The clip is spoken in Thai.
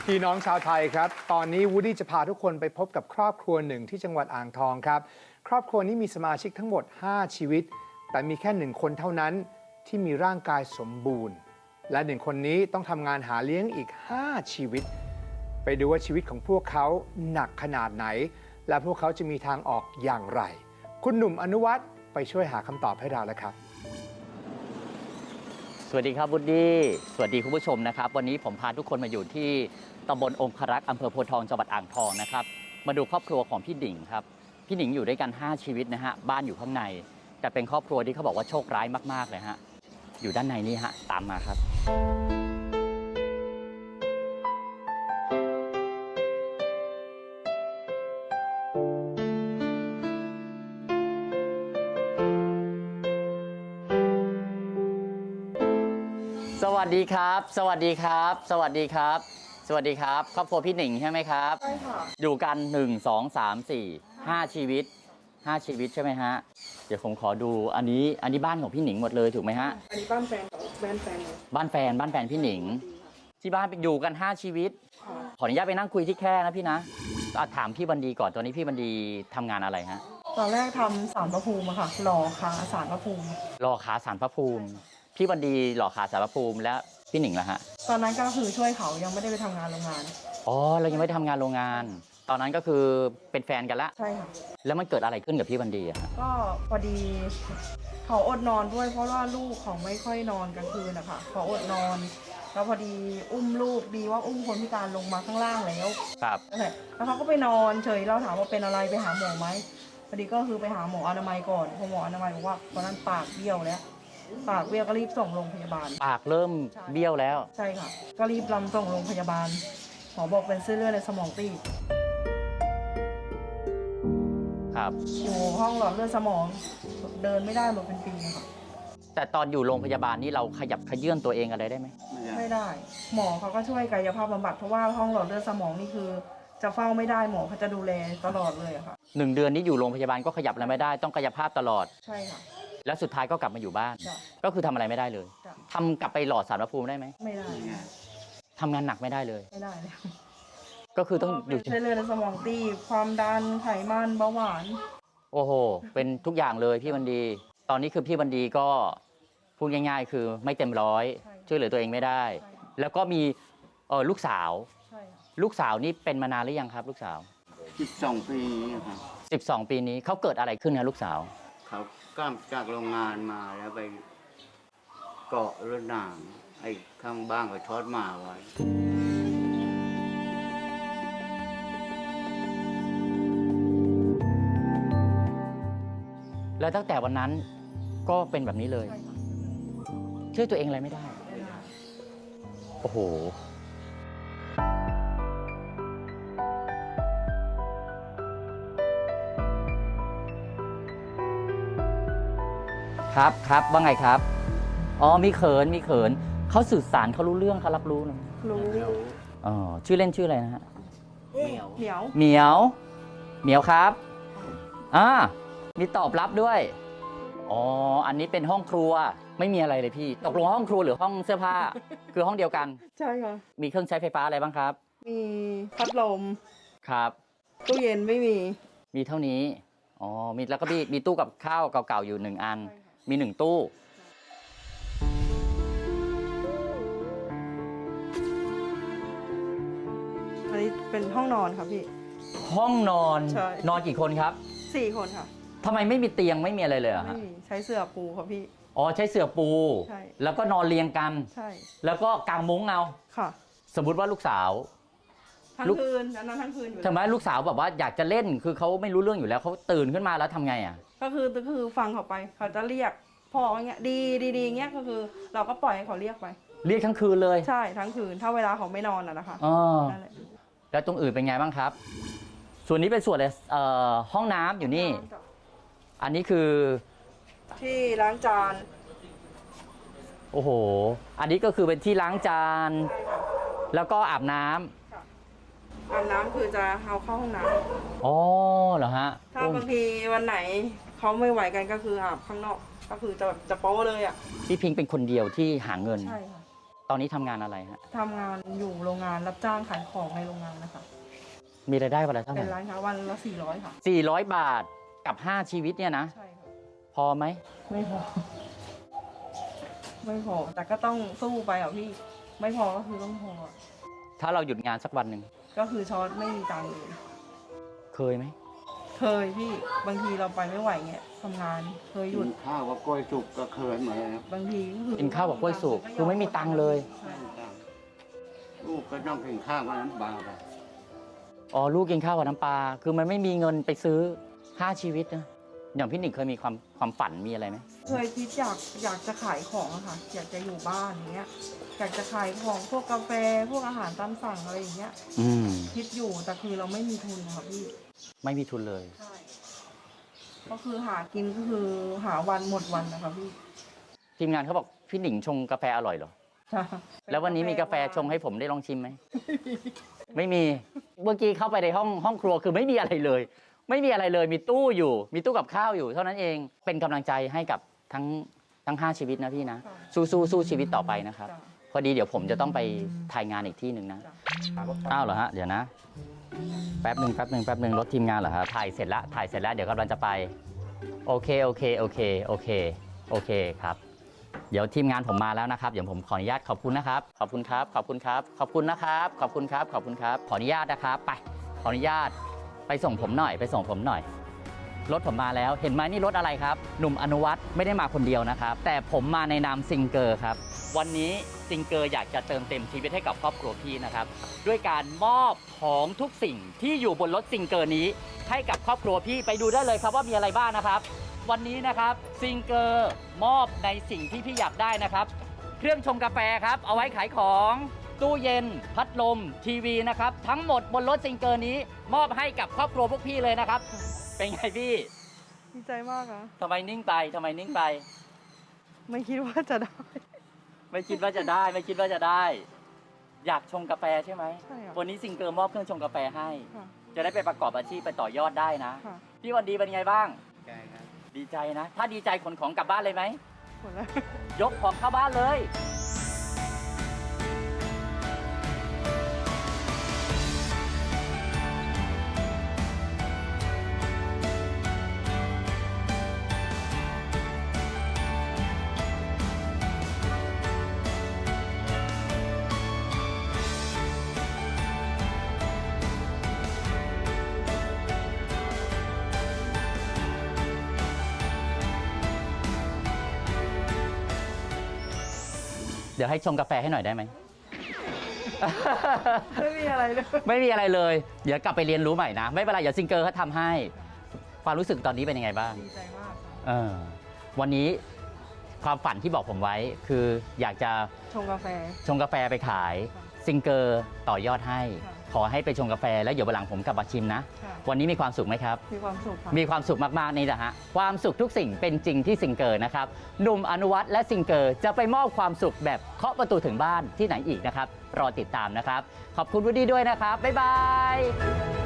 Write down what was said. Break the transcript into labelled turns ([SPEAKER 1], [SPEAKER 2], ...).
[SPEAKER 1] พี่น้องชาวไทยครับตอนนี้วูดดี้จะพาทุกคนไปพบกับครอบครัวหนึ่งที่จังหวัดอ่างทองครับครอบครัวนี้มีสมาชิกทั้งหมด5ชีวิตแต่มีแค่1คนเท่านั้นที่มีร่างกายสมบูรณ์และ1คนนี้ต้องทำงานหาเลี้ยงอีก5ชีวิตไปดูว่าชีวิตของพวกเขาหนักขนาดไหนและพวกเขาจะมีทางออกอย่างไรคุณหนุ่มอนุวัฒน์ไปช่วยหาคำตอบให้เราแล้วครับ
[SPEAKER 2] สวัสดีครับวูดดี้สวัสดีคุณผู้ชมนะครับวันนี้ผมพาทุกคนมาอยู่ที่ตำบลองครักษ์อำเภอโพธิ์ทองจังหวัดอ่างทองนะครับมาดูครอบครัวของพี่หนิงครับพี่หนิงอยู่ด้วยกัน5ชีวิตนะฮะบ้านอยู่ข้างในแต่เป็นครอบครัวที่เขาบอกว่าโชคร้ายมากๆเลยฮะอยู่ด้านในนี่ฮะตามมาครับสวัสดีครับ สวัสดีครับ สวัสดีครับ สวัสดีครับครอบครัวพี่หนิงใช่ไหมครับใช่ค่ะอยู่กัน1 2 3 4 5ชีวิต5ชีวิตใช่ไหมฮะเดี๋ยวผมขอดูอันนี้บ้านของพี่หนิงหมดเลยถูกไหมฮะ
[SPEAKER 3] อันนี้บ้านแฟนของบ้านแฟนเลย
[SPEAKER 2] บ้านแฟนพี่หนิงที่บ้านอยู่กัน5ชีวิตขออนุญาตไปนั่งคุยที่แคร่นะพี่นะถามพี่บันดีก่อนตอนนี้พี่บันดีทำงานอะไรฮะ
[SPEAKER 3] ตอนแรกทำศาลพระภูมิอะค่ะหล่อขาศาลพระภูมิ
[SPEAKER 2] หล่อขาศาลพระภูมิพี่บันดีหล่อขาศาลพระภูมิแล้วพี่หนิงล่ะฮะ
[SPEAKER 3] ตอนนั้นก็คือช่วยเขายังไม่ได้ไปทำงานโรงงาน
[SPEAKER 2] อ๋อเรายังไม่ได้ทำงานโรงงานตอนนั้นก็คือเป็นแฟนกันละ
[SPEAKER 3] ใช่ค่ะ
[SPEAKER 2] แล้วมันเกิดอะไรขึ้นกับพี่บันดีอะฮะ
[SPEAKER 3] ก็พอดีเขาอดนอนด้วยเพราะว่าลูกเขาไม่ค่อยนอนกลางคืนนะคะเขาอดนอนแล้วพอดีอุ้มลูกดีว่าอุ้มคนพิการลงมาข้างล่างแล้ว
[SPEAKER 2] ครับ
[SPEAKER 3] แล้วเขาก็ไปนอนเฉยเราถามว่าเป็นอะไรไปหาหมอไหมพอดีก็คือไปหาหมออนามัยก่อนพอหมออนามัยบอกว่าตอนนั้นปากเบี้ยวแล้วปากเบี้ยวก็รีบส่งโรงพยาบาล
[SPEAKER 2] ปากเริ่มเบี้ยวแล้ว
[SPEAKER 3] ใช่ค่ะก็รีบนำส่งโรงพยาบาลหมอบอกเป็นเส้นเลือดในสมองตีบ
[SPEAKER 2] ครับ
[SPEAKER 3] อยู่ห้องหลอดเลือดสมองเดินไม่ได้มาเป็นปีค่ะ
[SPEAKER 2] แต่ตอนอยู่โรงพยาบาลนี่เราขยับขยื่นตัวเองอะไรได้ไหม
[SPEAKER 3] ไม่ได้หมอเขาก็ช่วยกายภาพบำบัดเพราะว่าห้องหลอดเลือดสมองนี่คือจะเฝ้าไม่ได้หมอเขาจะดูแลตลอดเลยค่ะ
[SPEAKER 2] 1 เดือนนี้อยู่โรงพยาบาลก็ขยับอะไรไม่ได้ต้องกายภาพตลอด
[SPEAKER 3] ใช่ค่ะ
[SPEAKER 2] แล้วสุดท้ายก็กลับมาอยู่บ้านก็คือทำอะไรไม่ได้เลยทำกลับไปหล่อสารพระภูมิได้ไหม
[SPEAKER 3] ไม่ได้
[SPEAKER 2] ทำงานหนักไม่ได้เลย
[SPEAKER 3] ไม่ได้เลย
[SPEAKER 2] ก็คือต้องอยู่
[SPEAKER 3] เส้นเลือดในสมองตีบความดันไขมันเบาหวาน
[SPEAKER 2] โอ้โหเป็นทุกอย่างเลยพี่บันดีตอนนี้คือพี่บันดีก็พูดง่ายๆคือไม่เต็มร้อยช่วยเหลือตัวเองไม่ได้แล้วก็มีลูกสาวลูกสาวนี่เป็นมานานหรือยังครับลูกสาว
[SPEAKER 4] 12 ปีครับ
[SPEAKER 2] 12 ปีนี้เขาเกิดอะไรขึ้นนะลูกสาว
[SPEAKER 4] เขากลับจากโรงงานมาแล้วไปเกาะรถหนางไอ้ข้างบ้านเขาช็อตหมาไว้
[SPEAKER 2] แล้วตั้งแต่วันนั้นก็เป็นแบบนี้เลยช่วยตัวเองอะไรไม่ได้โอ้โหครับว่าไงครับอ๋อมีเขินเขาสื่อสารเขารู้เรื่องเขารับรู้นะ
[SPEAKER 3] รู้
[SPEAKER 2] อ๋อชื่อเล่นชื่ออะไรนะฮะ
[SPEAKER 3] เหมียว
[SPEAKER 2] เหมียวครับมีตอบรับด้วยอ๋ออันนี้เป็นห้องครัวไม่มีอะไรเลยพี่ตกลงห้องครัวหรือห้องเสื้อผ้า คือห้องเดียวกัน
[SPEAKER 3] ใช่ค่ะ
[SPEAKER 2] มีเครื่องใช้ไฟฟ้าอะไรบ้างครับ
[SPEAKER 3] มีพัดลม
[SPEAKER 2] ครับ
[SPEAKER 3] ตู้เย็นไม่
[SPEAKER 2] มีเท่านี้อ๋อมีแล้วก็มีตู้กับข้าวเก่าๆอยู่1 อันมี1 ตู้
[SPEAKER 3] อันนี้เป็นห้องนอนครับพี่
[SPEAKER 2] ห้องนอน
[SPEAKER 3] ใช่
[SPEAKER 2] นอนกี่คนครับ
[SPEAKER 3] 4 คนค่ะ
[SPEAKER 2] ทำไมไม่มีเตียงไม่มีอะไรเลยอะ
[SPEAKER 3] ไม่มีใช้เสื่อปูครับพี่
[SPEAKER 2] อ๋อใช้เสื่อปู
[SPEAKER 3] ใช่
[SPEAKER 2] แล้วก็นอนเรียงกัน
[SPEAKER 3] ใช่
[SPEAKER 2] แล้วก็กางมุ้งเอา
[SPEAKER 3] ค่ะ
[SPEAKER 2] สมมุติว่าลูกสาว
[SPEAKER 3] ทั้งคืนอันนั้นทั้งคืนอยู่
[SPEAKER 2] ทำไมลูกสาวแบบว่าอยากจะเล่นคือเขาไม่รู้เรื่องอยู่แล้วเขาตื่นขึ้นมาแล้วทำไงอ่ะ
[SPEAKER 3] ก็คือฟังเขาไปเขาจะเรียกพ่ออย่างเงี้ยดีเงี้ยก็คือเราก็ปล่อยให้เขาเรียกไป
[SPEAKER 2] เรียกทั้งคืนเลย
[SPEAKER 3] ใช่ทั้งคืนถ้าเวลาเขาไม่นอนนะคะ
[SPEAKER 2] นั่นแหละแล้วตรงอื่นเป็นไงบ้างครับส่วนนี้เป็นส่วนห้องน้ำอยู่นี่อันนี้คือ
[SPEAKER 3] ที่ล้างจาน
[SPEAKER 2] โอ้โหอันนี้ก็คือเป็นที่ล้างจานแล้วก็อาบน้ำ
[SPEAKER 3] คือจะเอาเข้าห้องน้
[SPEAKER 2] ำอ๋อเหรอฮะ
[SPEAKER 3] ถ้าบางทีวันไหนเขาไม่ไหวกันก็คืออาบข้างนอกก็คือจะโป๊เลยอ่ะ
[SPEAKER 2] พี่พิงเป็นคนเดียวที่หาเงิน
[SPEAKER 3] ใช่ค่ะ
[SPEAKER 2] ตอนนี้ทำงานอะไรฮะ
[SPEAKER 3] ทำงานอยู่โรงงานรับจ้างขายของในโรงงานนะคะ
[SPEAKER 2] มีรายได้วันละเท่าไห
[SPEAKER 3] เป็น
[SPEAKER 2] ร่
[SPEAKER 3] ร้านค้าวันละ400 ค่ะ
[SPEAKER 2] 400 บาทกับ 5 ชีวิตเนี่ยนะ
[SPEAKER 3] ใช่ค่ะ
[SPEAKER 2] พอไหม
[SPEAKER 3] ไม่พอ ไม่พอ แต่ก็ต้องสู้ไปอ่ะพี่ ไม่พอก็คือต้องพออะ
[SPEAKER 2] ถ้าเราหยุดงานสักวันหนึ่ง
[SPEAKER 3] ก็คือช็อตไม่มีตังค์เลย
[SPEAKER 2] เคยไหม
[SPEAKER 3] เคยพี่ บางทีเราไปไม่ไหวเงี้ยทำงาน เคยหยุ
[SPEAKER 4] กิ
[SPEAKER 3] ด
[SPEAKER 4] นข้าวกับกล้วยสุกก็เคยเหมือนกันครับ
[SPEAKER 3] บางทีก็คือ
[SPEAKER 2] กินข้าวกับกล้วยสุกคือไม่มีตังค์เลย
[SPEAKER 3] ใช่
[SPEAKER 4] ลูกก็ต้องกินข้าวกับน้ำปลาไป
[SPEAKER 2] อ๋อ ลูกกินข้าวกับน้ำปลา คือมันไม่มีเงินไปซื้อ 5 ชีวิตนะ อย่างพี่หนิงเคยมีความฝันมีอะไรไหม
[SPEAKER 3] เคยคิดอยากจะขายของอะค่ะ อยากจะอยู่บ้านอย่างเงี้ย อยากจะขายของพวกกาแฟ พวกอาหารตามสั่งอะไรอย่างเงี้ย
[SPEAKER 2] อืม
[SPEAKER 3] คิดอยู่ แต่คือเราไม่มีทุนค่ะพี่
[SPEAKER 2] ไม่มีทุนเลย
[SPEAKER 3] ใช่ ก็คือหากินก็คือหาวันหมดวันนะคะพี่
[SPEAKER 2] ทีมงานเขาบอกพี่หนิงชงกาแฟอร่อยเหรอ แล้ววันนี้มีกาแฟชงให้ผมได้ลองชิมไหม ไม่มี เมื่อกี้เข้าไปในห้องครัวคือไม่มีอะไรเลย ไม่มีอะไรเลย มีตู้อยู่ มีตู้กับข้าวอยู่ เท่านั้นเอง เป็นกำลังใจให้กับทั้ง 5 ชีวิตนะพี่นะ
[SPEAKER 3] ค่ะ
[SPEAKER 2] สู้ชีวิตต่อไปนะครับ
[SPEAKER 3] จ้ะ
[SPEAKER 2] พอดีเดี๋ยวผมจะต้องไปถ่ายงานอีกที่หนึ่งนะ
[SPEAKER 3] จ้ะ
[SPEAKER 2] อ้าวเหรอฮะ เดี๋ยวนะ แป๊บหนึ่งรถทีมงานเหรอฮะ ถ่ายเสร็จแล้ว เดี๋ยวกำลังจะไป โอเคครับ เดี๋ยวทีมงานผมมาแล้วนะครับ เดี๋ยวผมขออนุญาตขอบคุณนะครับ ขอบคุณนะครับ ขออนุญาตนะครับ ไป ขออนุญาตไปส่งผมหน่อย รถผมมาแล้ว เห็นไหมนี่รถอะไรครับ หนุ่มอนุวัฒน์ไม่ได้มาคนเดียวนะครับ แต่ผมมาในนามซิงเกอร์ครับ วันนี้ซิงเกอร์อยากจะเติมเต็มชีวิตให้กับครอบครัวพี่นะครับ ด้วยการมอบของทุกสิ่งที่อยู่บนรถซิงเกอร์นี้ให้กับครอบครัวพี่ไปดูได้เลยครับว่ามีอะไรบ้างนะครับ วันนี้นะครับซิงเกอร์มอบในสิ่งที่พี่อยากได้นะครับ เครื่องชงกาแฟครับ เอาไว้ขายของ ตู้เย็น พัดลม ทีวีนะครับ ทั้งหมดบนรถซิงเกอร์นี้ มอบให้กับครอบครัวพวกพี่เลยนะครับ เป็นไงพี่
[SPEAKER 3] ดีใจมากอะ
[SPEAKER 2] ทำไมนิ่งไป
[SPEAKER 3] ไม่คิดว่าจะได้
[SPEAKER 2] ไม่คิดว่าจะได้ อยากชงกาแฟใช่ไหม
[SPEAKER 3] ใช่ค่ะ
[SPEAKER 2] วันนี้ซิงเกอร์มอบเครื่องชงกาแฟให้
[SPEAKER 3] ค่ะ
[SPEAKER 2] จะได้ไปประกอบอาชีพไปต่อยอดได้นะ
[SPEAKER 3] ค่ะ
[SPEAKER 2] พี่วันดีเป็นไงบ้าง
[SPEAKER 4] ใช่ครับ
[SPEAKER 2] ดีใจนะ ถ้าดีใจขนของกลับบ้านเลยไหม
[SPEAKER 3] หมดแล้ว
[SPEAKER 2] ยกของเข้าบ้านเลย เดี๋ยวให้ชงกาแฟให้หน่อยได้ไหม
[SPEAKER 3] ไม่มีอะไรเลย
[SPEAKER 2] ไม่มีอะไรเลย เดี๋ยวกลับไปเรียนรู้ใหม่นะ ไม่เป็นไร เดี๋ยวซิงเกอร์เขาทำให้ ความรู้สึกตอนนี้เป็นยังไงบ้าง
[SPEAKER 3] ดีใจมากค่ะ
[SPEAKER 2] วันนี้ความฝันที่บอกผมไว้ คืออยากจะ
[SPEAKER 3] ชงกาแฟ
[SPEAKER 2] ชงกาแฟไปขาย
[SPEAKER 3] ค่ะ
[SPEAKER 2] ซิงเกอร์ต่อยอดให้
[SPEAKER 3] ค่ะ
[SPEAKER 2] ขอให้ไปชงกาแฟแล้วเดี๋ยววันหลังผมกลับมาชิมนะ
[SPEAKER 3] ค่ะ
[SPEAKER 2] วันนี้มีความสุขไหมครับ
[SPEAKER 3] มีความสุขค่ะ
[SPEAKER 2] มีความสุขมากๆนี่นะฮะ ความสุขทุกสิ่งเป็นจริงที่ซิงเกอร์นะครับ หนุ่มอนุวัฒน์และซิงเกอร์จะไปมอบความสุขแบบเคาะประตูถึงบ้านที่ไหนอีกนะครับ รอติดตามนะครับ ขอบคุณวูดดี้ด้วยนะครับ บ๊ายบาย